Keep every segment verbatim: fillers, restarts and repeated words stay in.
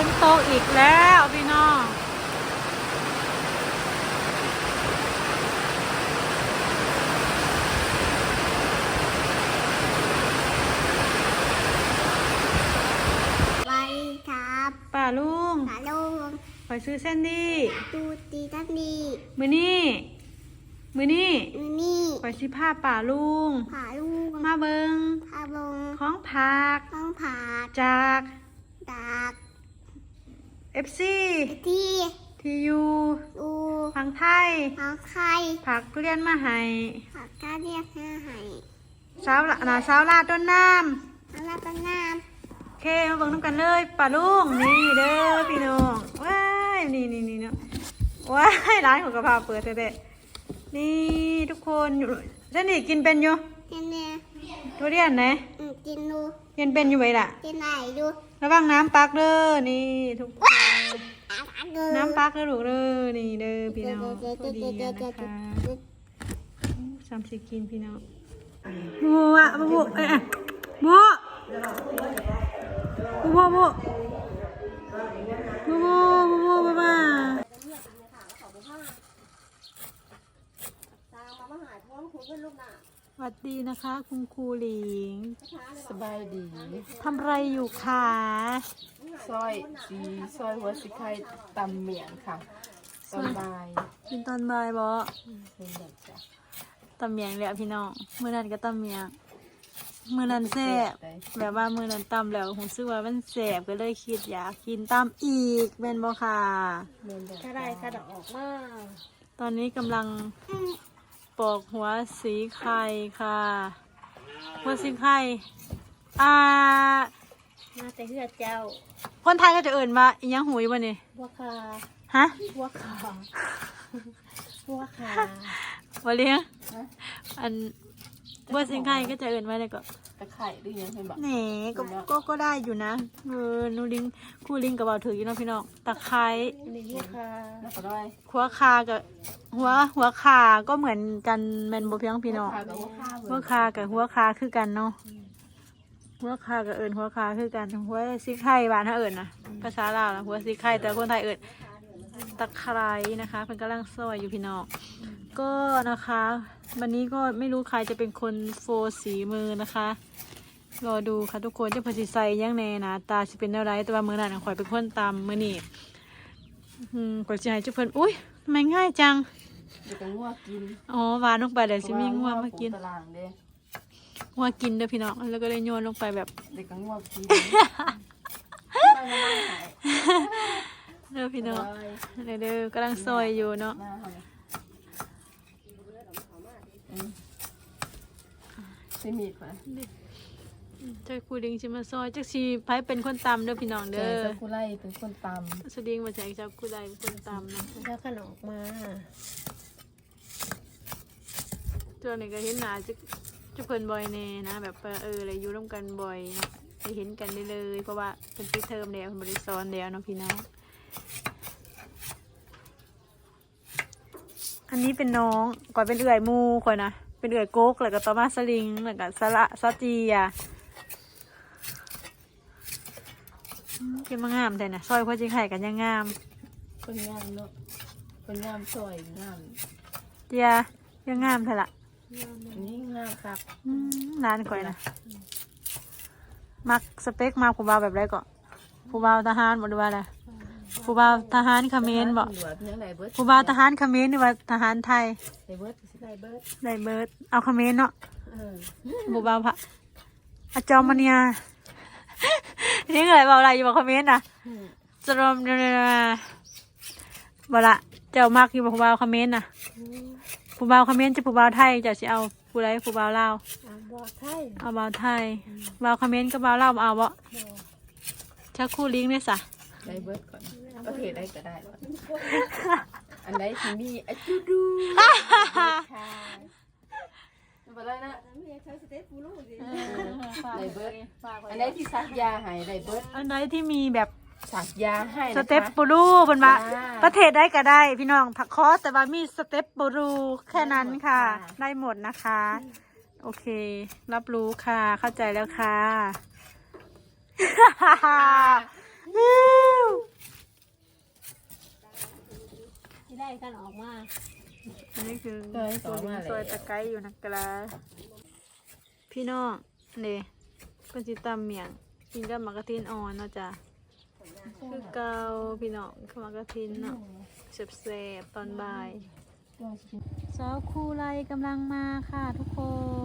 นตกอีกแล้วพี่น้องไปครับป่าลุงป่าลุงไปซื้อเส้นดีดูดีดันดีมือนี่มือนี่มือนี่ไปซื้อผ้าป่าลุงป่าลุงมาเบิงพาลงของผักของผักจากจากเอฟซีที่ทียูดูพังไทยผักไข่ผักเรียนมาให้ผักกาเรียกหน้าไห้สาวละนาสาวลาดต้นน้น้ำลาต้นน้ำโอเคมาเบิ่งน้ำกันเลยป่าลุงนี่เด้อพี่น้องว้ายนี่นี่นี่เนาะว้ายร้านของกระเพราเปิดเด็ดนี่ทุกคนอยู่ฉันนี่กินเป็นอยู่กินเนี่ยทุเรียนไหนกินดูกินเป็นอยู่ไหมล่ะกินไหนดูระวังน้ำปักเด้อนี่ทุกคนน้ำปักเด้อลูกเด้อนี่เด้อพี่น้องพอดีนะคะสามสิบกินพี่น้องบัวบัวเอ๊ะบัวบัวบัวบัวบัวบัวบัวบัวบัวสวัสดีนะคะคุณครูหลิงสบายดีทำไรอยู่คะซอยสีซอยหัวสีไข่ตำเมียงค่ะตอนบ่ายกินตอนบ่ายบ่เป็นแบบจ้ะตำเมียงแล้วพี่น้องมื้อนั้นก็ตำเมียงมื้อนั้นแซ่บแบบว่ามื้อนั้นตำแล้วผมซื้อว่ามันแซ่บก็เลยคิดอยากกินตำอีกแม่นบ่ค่ะถ้าได้ถ้าดอกออกมาตอนนี้กำลังปอกหัวสีไข่ค่ะหัวสีไข่อ่ามาแต่เหือเจ้าคนไทยก็จะเอิ่นมาอีหยังหูยบ่นี่บัวคาฮะบัวคาบัวคาบ่เลี้ยงอันหัวสีไข่ก็จะเอิ่นมาเลยก็ตะไคร้หรือยังเห็นบ่แหน่ก็ก็ก็ได้อยู่นะเออนูลิงคู่ลิงกับเบาถืออยู่เนาะพี่น้องตะไคร้นี่บัวคาแล้วก็ได้หัวคากับหัวหัวคาก็เหมือนกันแมนโบเพียงพี่น้องหัวคากับหัวคาคือกันเนาะหัวคากับเอิญหัวคาคือกันหัวซิกไข่บ้านถ้าเอิญนะภาษาลาวนะหัวซิกไข่แต่คนไทยเอิญตะไคร้นะคะเป็นกำลังซอยอยู่พี่น้องก็นะคะวันนี้ก็ไม่รู้ใครจะเป็นคนโฟสีมือนะคะรอดูค่ะทุกคนจะพอสิใส่ยังแน่นะตาจะเป็นอะไรแต่ว่ามือหนังข่อยเป็นคนตำมือนี่อืมกดใจจุ๊บเพิ่นอุ้ยทำไมง่ายจังเดี๋ยวก็งัวกินอ๋อวานลงไปเดี๋ยวสิมีงัวมากินงัวกินเด้อพี่น้องแล้วก็เลยโยนลงไปแบบเด็กก็งัวกินเด้อพี่น้องเด้อเด้อกำลังซอยอยู่เนาะใช่มีดป่ะเจ้าคูดิงชิมาซอยเจ้าชีไพ่เป็นคนตำเด้อพี่น้องเด้อเจ้าคูไล่เป็นคนตำสดิงมาจากเจ้าคูไล่เป็นคนตำนะเจ้าขนมมาเจ้านี่ก็เห็นหนาจะจะเพิ่นบ่อยแน่นะแบบเอออะไรอยู่ร่วมกันบ่อยนะไปเห็นกันได้เลยเพราะว่าเป็นปีเทอมแล้วบริซ้อนแล้วเนาะพี่น้องอันนี้เป็นน้องก่อนเป็นเอื่อยมูก่อนนะเป็นเอื่อยโก๊กแล้วก็ต่อมาสลิงแล้วก็สละซอจีอ่ะกินมางามแต่นะซอยพ่อจิงไข่กันยังงามคนงามเนาะคนงามซอยงามเจียยังงามเถอะละนี่งามครับร้านก่อยนะมักสเปคมาผู้บ่าวแบบไรก่อนผู้บ่าวทหารบอกดูว่าอะไรผู้บ่าวทหารเขมรบอกผู้บ่าวทหารเขมรหรือว่าทหารไทยได้เบิร์ดได้เบิร์ดได้เบิร์ดเอาเขมรเนาะผู้บ่าวพระอาจอมเนียนี่เลยบอกอะไรอยู่บอกเขมรนะจรมเนี่ยบอกละเจ้ามากอยู่บอกผู้บ่าวเขมรนะผู้บ่าวเขมรจะผู้บ่าวไทยจะสิเอาผู้ไรผู้บ่าวลาวเอาบ่าวไทยบ่าวเขมรก็บ่าวลาวเอาบ่ชักคู่ลิงเนี่ยสะได้เบิร์ดก่อนประเทศได้ก็ได้อันไหนที่มีอะจูดูมาเลยนะได้เบิร์ดอันไหนที่ซักยาหายได้เบิร์ดอันไหนที่มีแบบสักยาให้สเต็ปปูรูบนมาประเทศได้ก็ได้พี่น้องถักคอแต่ว่ามีสเต็ปปูรูแค่นั้นค่ะได้หมดนะคะโอเครับรู้ค่ะเข้าใจแล้วค่ะอันนี้คือซอยต่อมาซอยแล้วตะไคร้อยู่นะกะลาพี่น้องนี่เพิ่นสิตำเมียงกินกับหมากกะทินอ่อนเนาะจ้ะคือเกาพี่น้องข้าวหมากกะทินเนาะแซ่บๆตอนบ่ายสาวคูไลกำลังมาค่ะทุกคน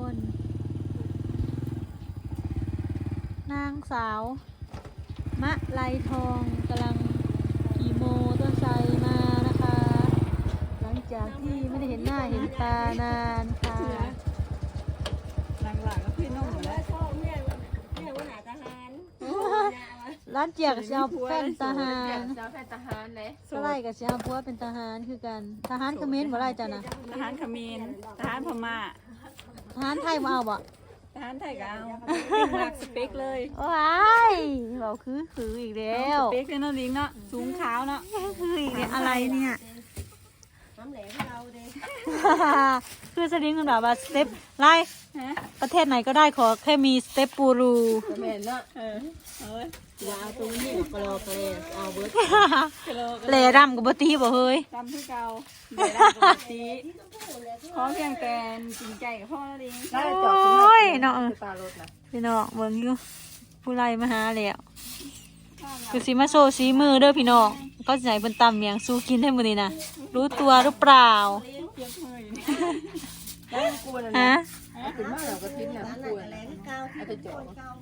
นางสาวมะไลทองกำลังขี่โมต้นไทรมานะคะ หลังจากที่ไม่ได้เห็นหน้าเห็นตานานค่ะหลังๆก็พี่น้องแล้วพ่อแม่แม่ว่าหาทหารร้านเจียกับเจ้าแฟนทหารเจ้าแฟนทหารเลยสไลกับเจ้าพัวเป็นทหารคือกันทหารเขมรบ่ไรจ้ะนะทหารเขมรทหารพม่าทหารไทยมาเอาบ่ทหารไทยก็เอาเป็นหลักสเปกเลยว้ายเราคือคืออีกแล้วสเปกเลยเนาะลิงเนาะสูงขาวเนาะคืออีกแล้วอะไรเนี่ยน้ำแหลมเราเด้คือสลิงมันแบบว่าสเต็ปไล่ฮะประเทศไหนก็ได้ขอแค่มีสเต็ปปูรูแม่นเนาะเออเอ้ยอย่าเอาตรงนี้กรอกเลยเอาเบิร์ดกะโลกะแหล่ดำกับบตีบ่เฮ้ยตำที่เก่าเดี๋ยวเราปกติขอเพียงแต่จริงใจกับพ่อแล้วลิงได้จอบขึ้นมาคือตารถนะพี่น้องเบิ่งอยู่ผู้ไล่มาหาแล้วคือสิมาโซซีมือเด้อพี่น้องก็สิให้เพิ่นตำเมียงสู้กินให้มื้อนี้นะรู้ตัวหรือเปล่าเจ็บมืออยู่นี่ได้กูนะฮะถึงมากเราก็ทิ้งนะกูนะเอาไปจอบ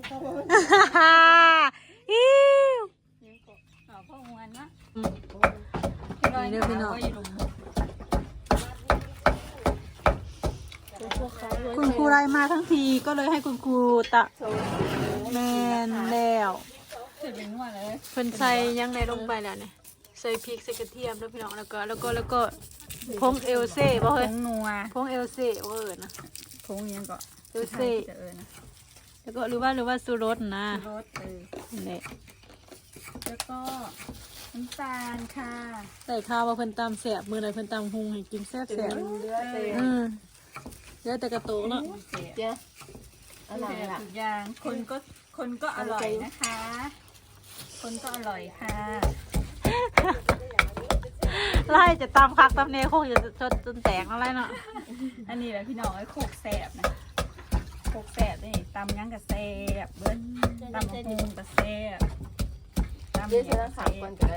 อิ้วเอาพ่อมวนเนาะอืมนี่เด้อพี่น้องคุณครูไล่มาทั้งทีก็เลยให้คุณครูตะแมนแล้วเจ็บเป็นหัวเลยเพิ่นใส่ยังในลงไปแล้วเนี่ยใส่พริกใส่กระเทียมแล้วพี่น้องแล้วก็แล้วก็แล้วก็พงเอลเซ่บ่ผเฮ้ยงนัวพงเอลเซ่บ่เอิ้นนะผงยังก็เอลเซ่จะเออนะแล้วก็หรือว่าหรือว่าซูรสนะรสเออนี่แล้วก็น้ำตาลค่ะใส่ข้าวว่าเพิ่นตำแซ่บมื้อใดเพิ่นตำหุงให้กินแซ่บเลืแซ่บอดเต็มอืมเดี๋ยวแต่กระโตกเนาะเจ้าอะไรล่ะทุกอย่างคนก็คนก็อร่อยนะคะ คนก็อร่อยค่ะไล่จะตำคักตำเนคงจะจนจนแตกอะไรเนาะอันนี้แหละพี่น้องไอ้โคกแสบนะโคกแสบนี่ตำยังกับแสบเบิ้ลตำมะฮุงกับแสบตำเดี๋ยวเนีฉัยนกับสาแสมคนบก็ได้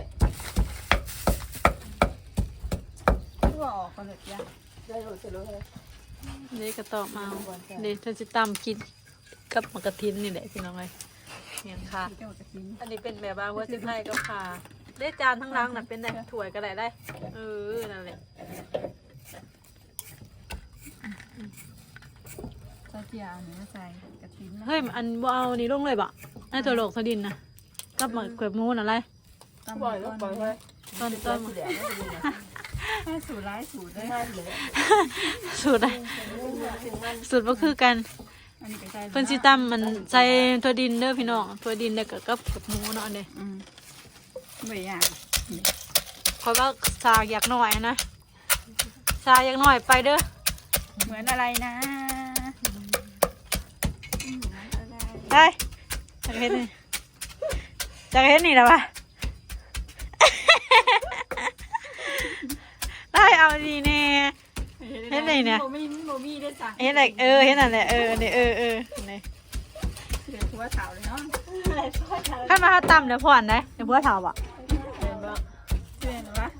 ทั่วออกกันเลยจ้ะได้รู้จะรู้เลยเดี๋ยวกระตอกมาเอาเดี๋ยวฉันจะตำกินกับหมกกระทินนี่แหละพี่น้องเลยเนี่ยค่ะเจ้าจะกินอันนี้เป็นแบบว่าหัวซิไทยก็ค่ะได้จานทั้งรังน่ะเป็นแบบถ้วยก็ได้ได้เออนั่นแหละเจ้าเจียวเนื้อใส่กระถิ่นนะเฮ้ยอันบ่เอานี่ลงเลยบ่ไอ้ตัวโลกทดินนะกับหมกเขือมูนอะไรตำปล่อยก็ปล่อยไว้ตอนตต้อน นเดี๋ยวไม่ดีนะให้สูตรร้ายสูตรด้วยไม่เลยสูตรอะไรสูตรก็คือกันอันนี้ก็ใส่เพิ่นสิตำมันใส่ตัวดินเด้อพี่น้องตัวดินแล้วก็กับกับหมูเนาะอันนี้อืมไม่อยากคอยว่าสากอยากหน่อยนะสากอยากหน่อยไปเด้อเหมือนอะไรนะไปจากเฮ็ดนี่จากเฮ็ดนี่แล้ววะ ได้เอาดีแน่ เฮ็ดไหนเนี่ยโมมี่โมมี่ได้จ้ะเฮ็ดอะไรเออเฮ็ดนั่นแหละเออนี่เออเออนี่เดี๋ยวหัวขาวเลยเนาะถ้ามาถ้าต่ำเดี๋ยวผ่อนนะเดี๋ยวพัวเถาอ่ะเห็นปะเชื่อหนูวะ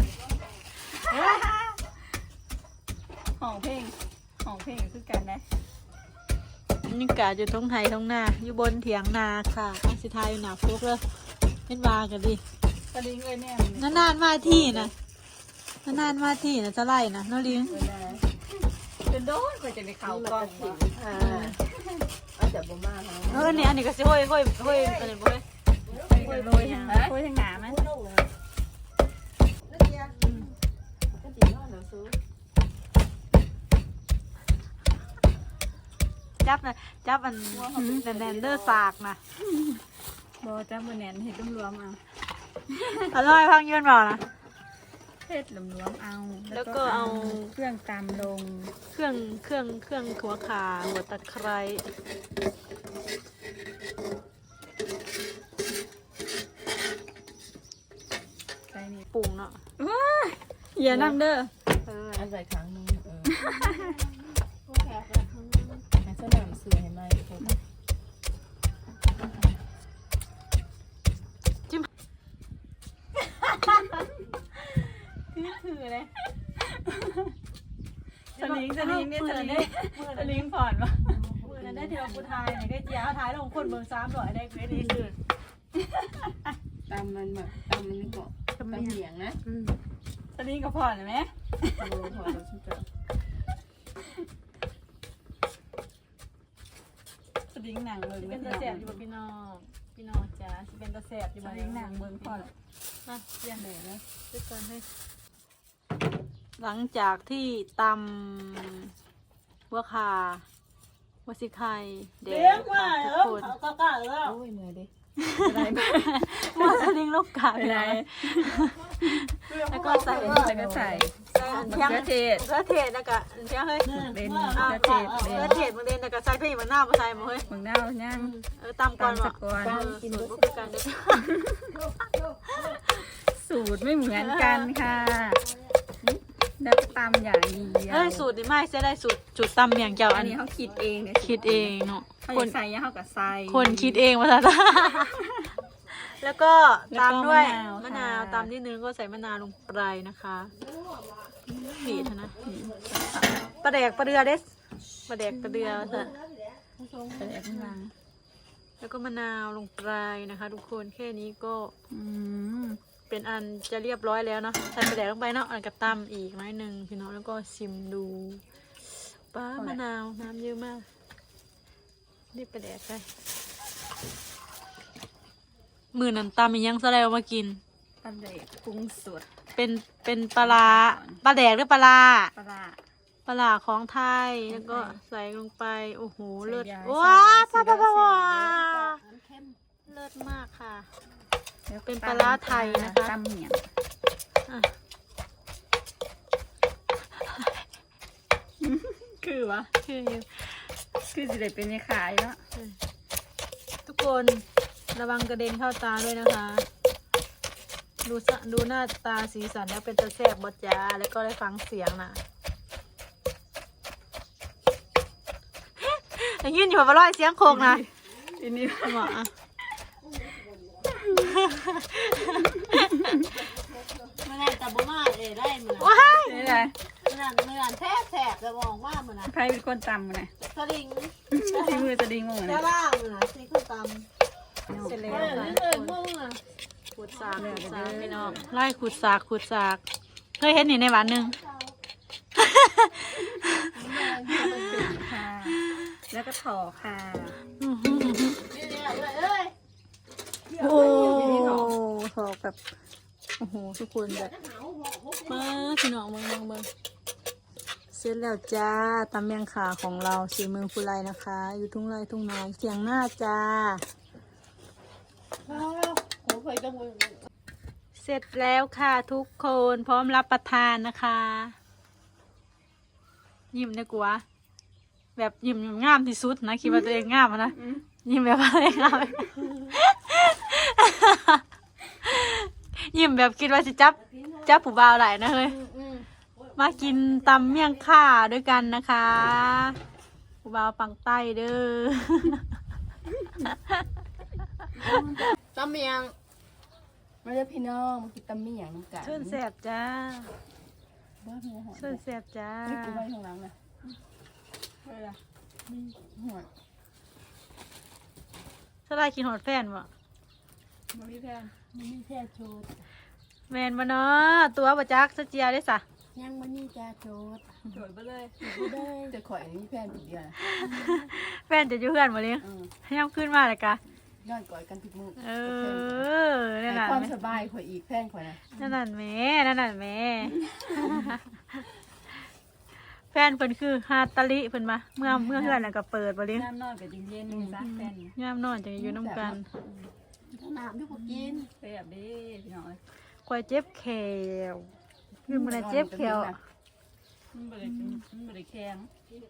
ห้องเพลงห้องเพลงคือกันนะนี่กะอยู่ตรงไทยตรงหน้าอยู่บนเถียงนาค่ะอาสิทายอยู่หนาฟุกเลยเป็นวากันดิตะลิงเลยแน่นานๆมาที่นะนานๆมาที่นะจะไล่นะน้องลิงจนโดนกว่าจะได้เข่าก่อนอ่าเอาจากบ่มาเขาเอออันนี้อันนี้ก็สิห้อยห้อยห้อยอันนี้บ่ห้อยโรยทางโรยทางหนามันก็จีนอนหนังสือจับนะจับอันแนนๆเดอร์สากนะโบจ้าบนแนนเห็ดรวมๆเอาอร่อยพังยืนบอกนะเห็ดรวมๆเอาแล้วก็เอาเครื่องตามลงเครื่องเครื่องเครื่องหัวขาหัวตะไคร้ใส่นี่ปรุงเนาะอย่านำเด้อเอออันใส่ครั้งให้สนามเสือให้ไหมผมนี่ถือเลยสลิงสลิงเนี่ยสลิงสลิงผ่อนวะมือนั้นได้ที่เราพูดทายไหนได้เจียวท้ายลงคนเมืองซ้ำหน่อยได้เกรดดีสุดตามมันแบบตามมันนี่ก็ตามเหนียงนะสลิงกับผ่อนเห็นไหมโอ้พอแล้วฉันจะสลิงหนังเมืองเป็นตะแสบอยู่กับพี่น้องพี่น้องจ้าสิเป็นตะแสบอยู่สบ้านลิงหนังเมืองผ่อนมาเรียนเลยนะด้วยกันให้หลังจากที่ตำหัวคาหัวสิไข่เด็กค่ะทุกคนโอ้ยเหนื่อยดิหัวสลิงลูกกาไปไปไหไหนนแล้วก็ใส่แล้วก็ใส่ใส่มะเพียงเขือเทศมะเขือเทศแล้วก็เพียงเฮ้ยเป็นมะมะเขือเทศเขืเป็อน เทศบางเดนแล้วก็ใส่เพี่มันหน้ามาใส่มาเฮ้ยเมืองน่าวย่างเออตำก่อนตำวะสักก่อนเออสูตรพวกกันเด้อสูตรไม่เหมือนกันค่ะแล้วก็ตำอย่างเดียวเอ้ยสูตรนี่ไม่ใช่ได้สูตรจุดตำอย่างเจ้าอัอันนนี้นี้เขาคิดเองเนี่ยคิดเองเนาะเขาคอน ยากใส่ยังเขากับใส่คนคิดเองมาซะ แล้วก็ตามด้วยแล้วก็มะมะนานาว วตามนิดนึงก็ใส่มะนาวลงไปนะคะผีดนะปลาแดกปลาเดือเด็ดปลาแดกปลาเดือซะใส่แอบข้างหลังแล้วก็มะนาวลงไปนะคะ ทุกคนแค่นี้ก็อืมเป็นอันจะเรียบร้อยแล้วเนาะใส่ปลาแดกลงไปเนาะอันกระตำอีกน้อยหนึ่งพี่น้องแล้วก็ชิมดูป้ามะนาวน้ำเยอะมากนี่ปลาแดกไปมือนันตำอีกยังแสดงมากินปลาเด็กปรุงสดเป็นเป็นปลาร้าปลาแดกหรือปลาร้าปลาร้าปลาร้าของไทยแล้วก็ใส่ลงไปโอ้โหเลิศใส่ยาว้าใส่ป้ายาป้าป้าใส่ว้ายาเลิศมากค่ะแล้วก็เป็นปลาร้าไทยนะคะตำเหนียงอ่ะคือวะคือคือสิได้เป็นในขายแล้วทุกคนระวังกระเด็นเข้าตาด้วยนะคะ ดูสะดูหน้าตาสีสันแล้วเป็นตะแซ่บบดจ้าแล้วก็ได้ฟังเสียงนะอย่างยืนอยู่บนร้อยเสียงโคกนะทีนี้หมออ่ะมื่อนั้นแต่บ่มาเอ้ได้มื่อนั้นว้ายนี่แหละมื่อนั้นมื่อนั้นแทบแทบจะมองว่ามื่อนั้นใครเป็นคนตำมันนะสลิงที่มือจะดีงงแค่นะล่างมื่อนั้นสิคือตำเสร็จแล้วเออค่ะเออมึงอ่ะขูดสากขูดสากพี่น้องไล่ขูดสากขูดสากเคยเห็นนี่ในบ้านหนึ่งค่ะ แล้วก็ถอค่ะอื้อหือนี่เนี่ยเอ้ยโอ้ถอกแบบโอ้โหทุกคนแบบมาพี่น้องเมืองเมืองเมืองเสร็จแล้วจ้าตำเมียงขาของเราสีเมืองฟูไรนะคะ อยู่ทุ่งไรทุ่งนาเสียงหน้าจ้าผมเคยต้องมือเสร็จแล้วค่ะทุกคนพร้อมรับประทานนะคะ ยิ้มนะกูวะแบบยิ้มงามที่สุดนะคิดว่าตัวเองงามอะนะยิ้มแบบอะไรงาม ยิ้มแบบคิดว่าจะจับจับผู้บ่าวไหลนะเฮ้ยมากินตำเมี่ยงข่าด้วยกันนะคะผู้บ่าวปังใต้เด้อตำเมียงมาเด้อพี่น้องมากินตำเมี่ยงน้ำกันชื่นแสบจ้าบ้าพี่น้องชื่นแสบจ้านี่กินไว้ข้างหลังนะเวลาหัวสลายกินหอดแฟนบ่ไม่มีแพนมันมีแค่โชดแมนบ่เนาะตัวบ่จักสะเจียได้สะยังมันนี่จ้าโชดโดดไปเลยบ่ได้จะข่อยอันนี้แพนผิดเดียวนะแฟนจะอยู่เพื่อนบ่เลี้ยงอืมย่ำขึ้นมาเลยกะนอนกอดกันทุกมื้อเออนั่นให้น่ะความแม่สบายข่อยอีกแพนข่อยนะนั่นน่ะแม่นั่นน่ะแม่ แฟนเพิ่นคือฮาตาลิเพิ่นมาเมื่อเมื่อเพื่อนน่ะก็เปิดบ่เลี้ยงน้ำนอนกับเย็นๆนี่ซะแฟนยามนอนจังอยู่นํกันน้ำที่กูกินเสียบดิพี่น้องกวยเจ็บแขวคือมันนะเจ็บแขวมันบริมันบริแข็ง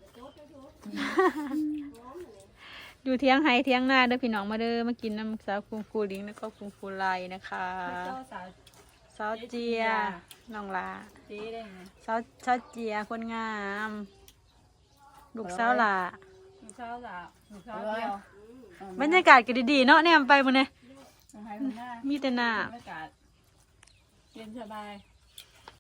อยู่เที่ยงไห้เที่ยงหน้าเด้อพี่น้องมาเด้อมากินน้ำสาวคุงฟูลิงแล้วก็คุงฟูไลนะคะเจ้าสาวสสาวเจียน้องลาเจ๊ได้ไงสาวสาวเจียคนงามลูกสาวหลาหนูเช้าละหนูเช้าเดียวบรรยากาศก็ดีๆเนาะแนมไปมื้อนี้หนูให้คุณหน้ามีแต่น้บรรยากาศเย็นสบายำ